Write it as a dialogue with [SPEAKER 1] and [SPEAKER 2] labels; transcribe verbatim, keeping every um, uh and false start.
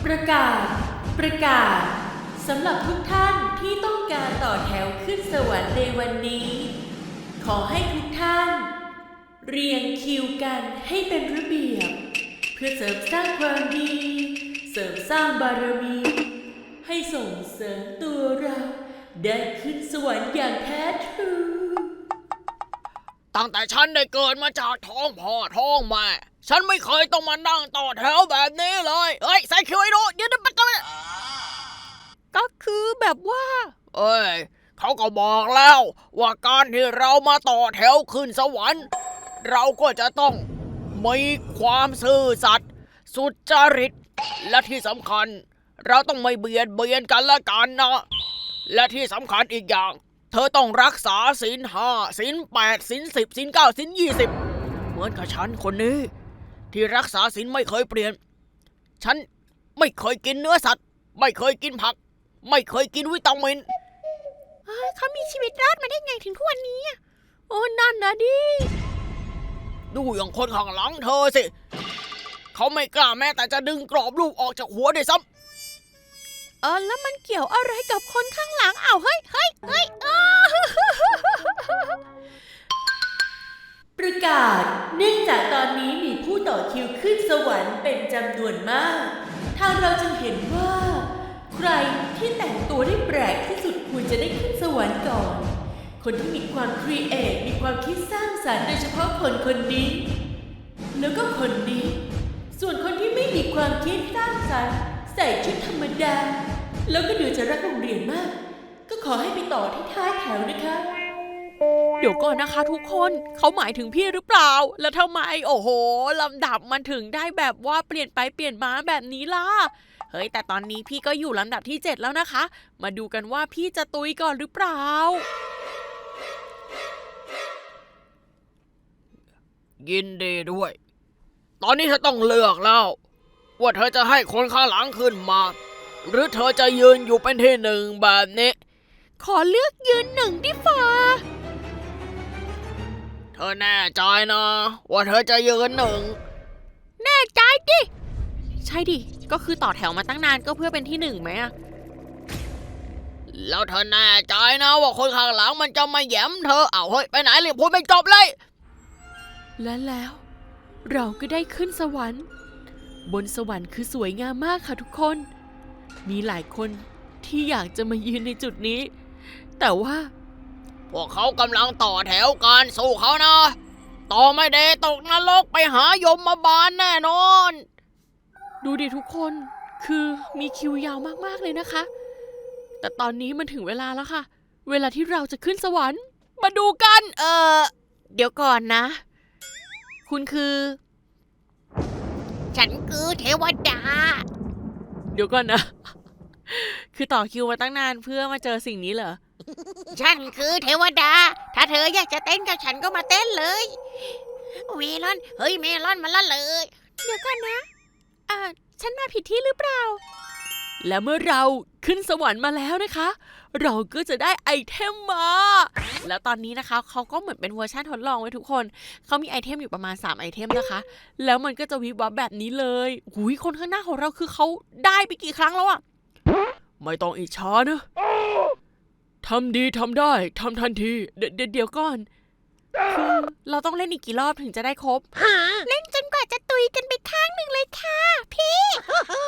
[SPEAKER 1] ประกาศประกาศสำหรับทุกท่านที่ต้องการต่อแถวขึ้นสวรรค์ในวันนี้ ขอให้ทุกท่าน เรียงคิวกันให้เป็นระเบียบเพื่อเสริมสร้างความดีเสริมสร้างบารมีให้ส่งเสริมตัวเราได้ขึ้นสวรรค์อย่างแท้ทรู
[SPEAKER 2] ตั้งแต่ฉันได้เกิดมาจากท้องพ่อท้องแม่ฉันไม่เคยต้องมานั่งต่อแถวแบบนี้เลยเฮ้ยใส่คิวไอ้ดูเดี๋ยวจะไปกันก็คือแบบว่าเอ้ยเขาก็บอกแล้วว่าการที่เรามาต่อแถวขึ้นสวรรค์เราก็จะต้องมีความซื่อสัตย์สุจริตและที่สำคัญเราต้องไม่เบียดเบียนกันและกันนะและที่สำคัญอีกอย่างเธอต้องรักษาศีลห้าศีลแปดศีลสิบศีลเก้าศีลยี่สิบเหมือนกับฉันคนนี้ที่รักษาศีลไม่เคยเปลี่ยนฉันไม่เคยกินเนื้อสัตว์ไม่เคยกินผักไม่เคยกินวิตามินเขามีชีวิตรอดมาได้ไงถึงทุกวันนี้โอ้นั่นนะดิดูอย่างคนข้างหลังเธอสิเขาไม่กล้าแม้แต่จะดึงกรอบรูปออกจากหัวด้วยซ้ำเออแล้วมันเกี่ยวอะไรกับคนข้างหลังอ้าวเฮ้ยเฮ้ยเฮ้ย
[SPEAKER 1] ประกาศเนื่องจากตอนนี้มีผู้ต่อคิวขึ้นสวรรค์เป็นจำนวนมากทางเราจึงเห็นว่าใครที่แต่งตัวได้แปลกที่สุดควรจะได้ขึ้นสวรรค์ก่อนคนที่มีความครีเอทมีความคิดสร้างสรรค์โดยเฉพาะคนคนนี้แล้วก็คนนี้ส่วนคนที่ไม่มีความคิดสร้างสรรค์ใส่ชุดธรรมดาแล้วก็ดูจะรักโรงเรียนมากก็ขอให้ไปต่อที่ท้ายแถวนะคะ
[SPEAKER 2] เดี๋ยวก่อนนะคะทุกคนเขาหมายถึงพี่หรือเปล่าแล้วทำไมโอ้โหลำดับมันถึงได้แบบว่าเปลี่ยนไปเปลี่ยนมาแบบนี้ล่ะเฮ้ยแต่ตอนนี้พี่ก็อยู่ลำดับที่เจ็ดแล้วนะคะมาดูกันว่าพี่จะตุยก่อนหรือเปล่ายินดีด้วยตอนนี้เธอต้องเลือกแล้วว่าเธอจะให้คนข้างหลังขึ้นมาหรือเธอจะยืนอยู่เป็นที่หนึ่งแบบนี้ขอเลือกยืนหนึ่งดิฟ้าเธอแน่ใจนะว่าเธอจะยืนหนึ่งแน่ใจดิใช่ดิก็คือต่อแถวมาตั้งนานก็เพื่อเป็นที่หนึ่งไหมอะแล้วเธอแน่ใจนะว่าคนข้างหลังมันจะมาแย้มเธอเอาเฮ้ยไปไหนเลยพูดไม่จบเลย
[SPEAKER 1] และแล้วเราก็ได้ขึ้นสวรรค์บนสวรรค์คือสวยงามมากค่ะทุกคนมีหลายคนที่อยากจะมายืนในจุดนี้แต่ว่า
[SPEAKER 2] พวกเขากำลังต่อแถวกันสู้เขานะต่อไม่ได้ตกนรกไปหายมมาบาลแน่นอน
[SPEAKER 1] ดูดิทุกคนคือมีคิวยาวมากๆเลยนะคะแต่ตอนนี้มันถึงเวลาแล้วค่ะเวลาที่เราจะขึ้นสวรรค์
[SPEAKER 2] มาดูกันเออเดี๋ยวก่อนนะคุณคือฉันคือเทวดา
[SPEAKER 1] เดี๋ยวก่อนนะคือต่อคิวมาตั้งนานเพื่อมาเจอสิ่งนี้เหรอ
[SPEAKER 2] ฉันคือเทวดาถ้าเธออยากจะเต้นกับฉันก็มาเต้นเลยเมลอนเฮ้ยเมลอนมาละเลย
[SPEAKER 1] เดี๋ยวก่อนนะอ่าฉันมาผิดที่หรือเปล่าและเมื่อเราขึ้นสวรรค์มาแล้วนะคะเราก็จะได้ไอเทมมาแล้วตอนนี้นะคะเขาก็เหมือนเป็นเวอร์ชันทดลองไว้ทุกคนเขามีไอเทมอยู่ประมาณสามไอเทมนะคะแล้วมันก็จะวิบวับแบบนี้เลยหุยคนข้างหน้าของเราคือเขาได้ไปกี่ครั้งแล้วอะไม่ต้องอิจฉานะทำดีทำได้ทำทันทีเดี๋ยวเดี๋ยวก่อนคือเราต้องเล่นอีกกี่รอบถึงจะได้ครบ
[SPEAKER 2] เล่นจนกว่าจะตุยกันไปข้างหนึ่งเลยค่ะพี่